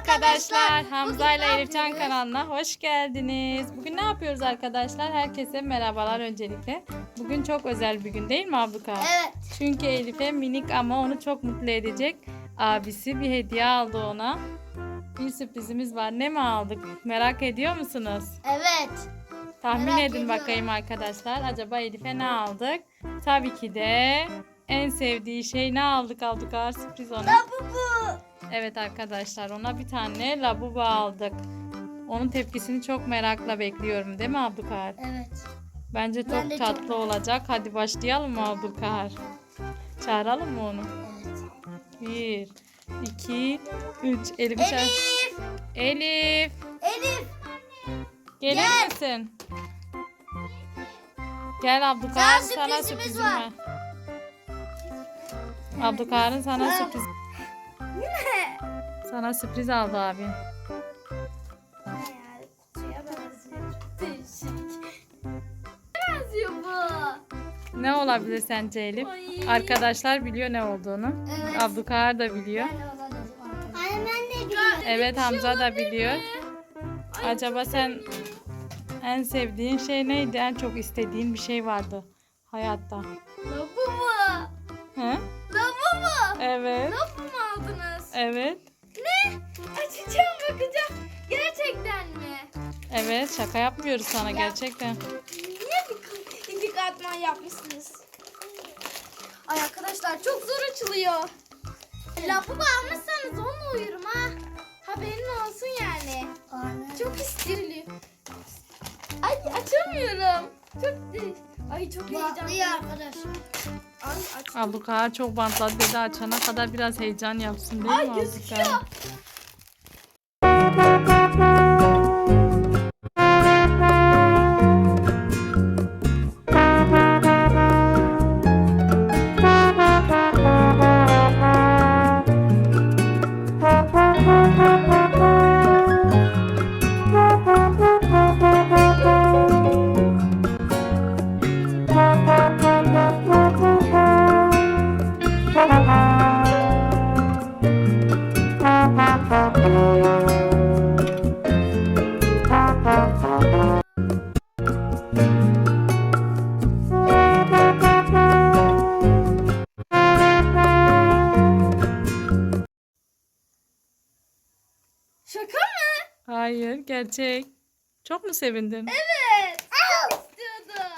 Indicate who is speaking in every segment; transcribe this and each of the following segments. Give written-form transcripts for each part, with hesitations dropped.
Speaker 1: arkadaşlar. Hamza ile Elifcan kanalına hoş geldiniz. Bugün ne yapıyoruz arkadaşlar? Herkese merhabalar öncelikle. Bugün çok özel bir gün değil mi Abdülkar?
Speaker 2: Evet.
Speaker 1: Çünkü Elif'e minik ama onu çok mutlu edecek abisi bir hediye aldı ona. Bir sürprizimiz var. Ne mi aldık? Merak ediyor musunuz?
Speaker 2: Evet.
Speaker 1: Tahmin
Speaker 2: Merak
Speaker 1: edin
Speaker 2: ediyorum.
Speaker 1: bakayım arkadaşlar. Acaba Elif'e ne aldık? Tabii ki de en sevdiği şey ne aldık Abdülkar? Sürpriz ona.
Speaker 2: Labubu.
Speaker 1: Evet arkadaşlar, ona bir tane labubu aldık. Onun tepkisini çok merakla bekliyorum değil mi Abdülkar?
Speaker 2: Evet.
Speaker 1: Bence
Speaker 2: Ben
Speaker 1: çok
Speaker 2: de
Speaker 1: tatlı
Speaker 2: çok
Speaker 1: olacak. Hadi başlayalım mı Abdülkar? Çağıralım mı onu?
Speaker 2: Evet.
Speaker 1: 1, 2, 3. Elif'i çağır.
Speaker 2: Elif.
Speaker 1: Elif.
Speaker 2: Elif.
Speaker 1: Gelir
Speaker 2: Gel.
Speaker 1: misin? Gel Abdülkar,
Speaker 2: Sana
Speaker 1: sana
Speaker 2: sürprizimiz
Speaker 1: sürprizim
Speaker 2: var.
Speaker 1: var. Abdülkar'ın sana sürpriz. Sana sürpriz aldı abi.
Speaker 2: Kutuya benziyor. Değişik. Benziyor bu.
Speaker 1: Ne olabilir sence Elif?
Speaker 2: Ay.
Speaker 1: Arkadaşlar biliyor ne olduğunu.
Speaker 2: Evet.
Speaker 1: Abdülkar da biliyor.
Speaker 2: Anne ben de biliyorum.
Speaker 1: Evet, Hamza da biliyor. Acaba sen en sevdiğin şey neydi? En çok istediğin bir şey vardı hayatta.
Speaker 2: Labubu.
Speaker 1: He?
Speaker 2: Labubu.
Speaker 1: Evet.
Speaker 2: Labubu mu aldınız?
Speaker 1: Evet.
Speaker 2: Ne? Açacağım bakacağım. Gerçekten mi?
Speaker 1: Evet, şaka yapmıyoruz sana gerçekten.
Speaker 2: Niye bir katman yapmışsınız? Ay arkadaşlar çok zor açılıyor. Labubu almışsanız onunla uyurum ha. Haberin olsun yani. Çok istiriliyor. Ay açamıyorum. Çok heyecanlıyım arkadaşlar. Ay aç.
Speaker 1: Abdülkar çok bantladı dedi, açana kadar biraz heyecan yapsın değil mi
Speaker 2: Ay
Speaker 1: Abdülkar?
Speaker 2: gözüküyor. Şaka mı?
Speaker 1: Hayır, gerçek. Çok mu sevindin?
Speaker 2: Evet. Çok istiyordum.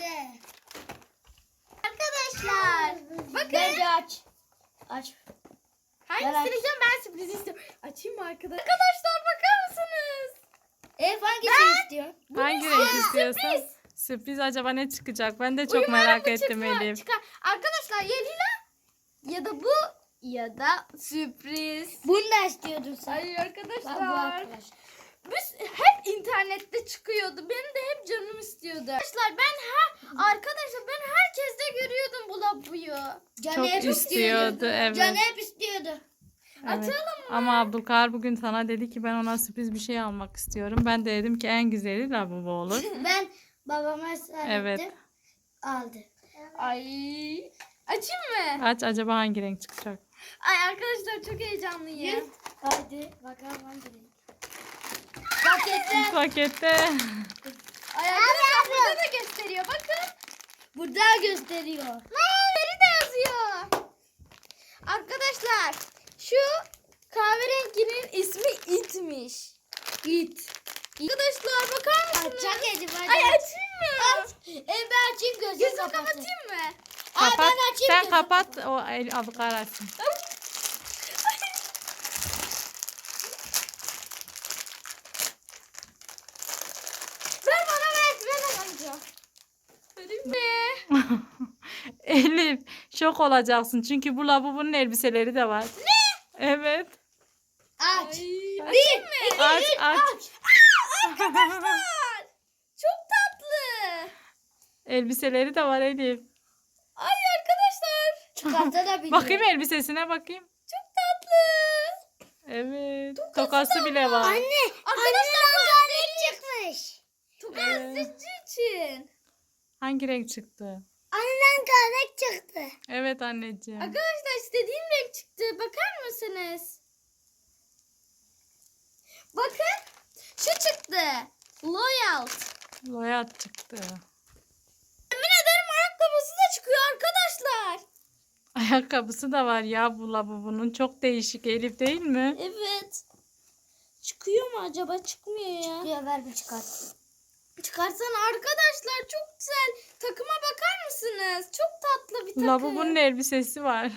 Speaker 2: Arkadaşlar. Bakın. Bence aç. Aç. Hangisini yiyeceğim, ben sürpriz istiyorum. Açayım mı arkadaşlar? Arkadaşlar bakar mısınız? Hangisini istiyorsun?
Speaker 1: Hangi renk istiyorsan? Sürpriz acaba ne çıkacak? Ben de çok merak ettim Elif.
Speaker 2: Çıkar. Arkadaşlar ya lila ya da bu ya da sürpriz.
Speaker 3: Bunu da istiyordun sen.
Speaker 2: Ay
Speaker 3: Bu
Speaker 2: arkadaşlar.
Speaker 3: arkadaş.
Speaker 2: Biz hep internette çıkıyordu. Benim de hep canım istiyordu. Arkadaşlar ben herkeste görüyordum bu labuyu.
Speaker 1: Çok istiyordu, evet.
Speaker 3: Can hep istiyordu.
Speaker 1: Evet.
Speaker 2: Açalım mı?
Speaker 1: Ama Abdülkar bugün sana dedi ki ben ona sürpriz bir şey almak istiyorum. Ben de dedim ki en güzeli labubu olur.
Speaker 3: Ben babama ısrar
Speaker 1: Evet.
Speaker 3: ettim. Aldı.
Speaker 2: Ay. Açayım mı?
Speaker 1: Aç, acaba hangi renk çıkacak?
Speaker 2: Ay arkadaşlar çok heyecanlıyım.
Speaker 3: Hadi bakalım hangi renk. Pakette.
Speaker 1: Pakette.
Speaker 2: Ay arkadaşlar burada da gösteriyor. Bakın.
Speaker 3: Burada gösteriyor.
Speaker 2: Veri de yazıyor. Arkadaşlar şu kahverenginin ismi itmiş. İt. Arkadaşlar bakar mısınız?
Speaker 3: Açacak Elif hadi.
Speaker 2: Ay açayım mı?
Speaker 3: Aç. Ben açayım gözümü
Speaker 2: Gözümü
Speaker 3: kapatayım.
Speaker 2: kapatayım mı?
Speaker 3: Ay,
Speaker 1: Kapat.
Speaker 3: ben açayım
Speaker 1: Sen
Speaker 3: gözümü
Speaker 1: kapat. O Abdülkar açsın.
Speaker 2: Ver bana ver. Ver amca. Vereyim mi?
Speaker 1: Elif şok olacaksın çünkü bu lavabonun elbiseleri de var. Ne? Evet.
Speaker 3: Aç.
Speaker 2: Açayım mı?
Speaker 1: Aç aç.
Speaker 2: Arkadaşlar. Çok tatlı.
Speaker 1: Elbiseleri de var Elif.
Speaker 2: Ay arkadaşlar.
Speaker 3: Çıkartabiliyor.
Speaker 1: Bakayım elbisesine bakayım.
Speaker 2: Çok tatlı.
Speaker 1: Evet. Tokası bile var.
Speaker 3: Anne.
Speaker 2: Arkadaşlar bu
Speaker 3: Kahve çıkmış.
Speaker 2: Gazeteci için.
Speaker 1: Hangi renk çıktı?
Speaker 3: Anneden kahve çıktı.
Speaker 1: Evet anneciğim.
Speaker 2: Arkadaşlar istediğim renk çıktı. Bakar mısınız? Bakın. Şu çıktı. Loyal.
Speaker 1: Loyat çıktı.
Speaker 2: Yemin ederim ayakkabısı da çıkıyor arkadaşlar.
Speaker 1: Ayakkabısı da var ya bu Labubu'nun. Çok değişik Elif değil mi?
Speaker 2: Evet. Çıkıyor mu acaba? Çıkmıyor ya.
Speaker 3: Çıkıyor, ver bir çıkart.
Speaker 2: Çıkarsana arkadaşlar, çok güzel. Takıma bakar mısınız? Çok tatlı bir takım.
Speaker 1: Labubu'nun elbisesi var.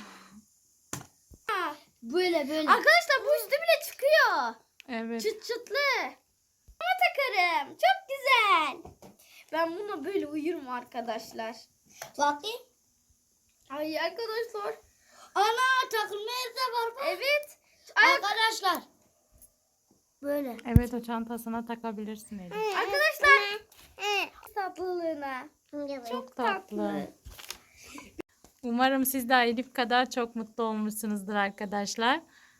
Speaker 3: Böyle böyle.
Speaker 2: Arkadaşlar bu üstü bile çıkıyor.
Speaker 1: Evet.
Speaker 2: Çıt çıtlı. Ama takarım. Çok güzel. Ben buna böyle uyurum arkadaşlar.
Speaker 3: Bakayım.
Speaker 2: Ay arkadaşlar.
Speaker 3: Ana takılma yeri de var bak.
Speaker 2: Evet.
Speaker 3: Arkadaşlar. Böyle.
Speaker 1: Evet o çantasına takabilirsin Elif.
Speaker 2: Arkadaşlar. Tatlılığına.
Speaker 1: Çok tatlı. Umarım siz de Elif kadar çok mutlu olmuşsunuzdur arkadaşlar.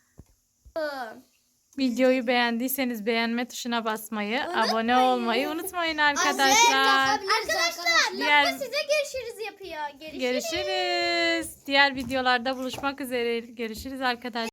Speaker 1: Videoyu beğendiyseniz beğenme tuşuna basmayı, abone olmayı unutmayın arkadaşlar.
Speaker 2: Arkadaşlar
Speaker 1: Diğer-
Speaker 2: Lafı size görüşürüz yapıyor. Görüşürüz.
Speaker 1: Görüşürüz. Diğer videolarda buluşmak üzere. Görüşürüz arkadaşlar.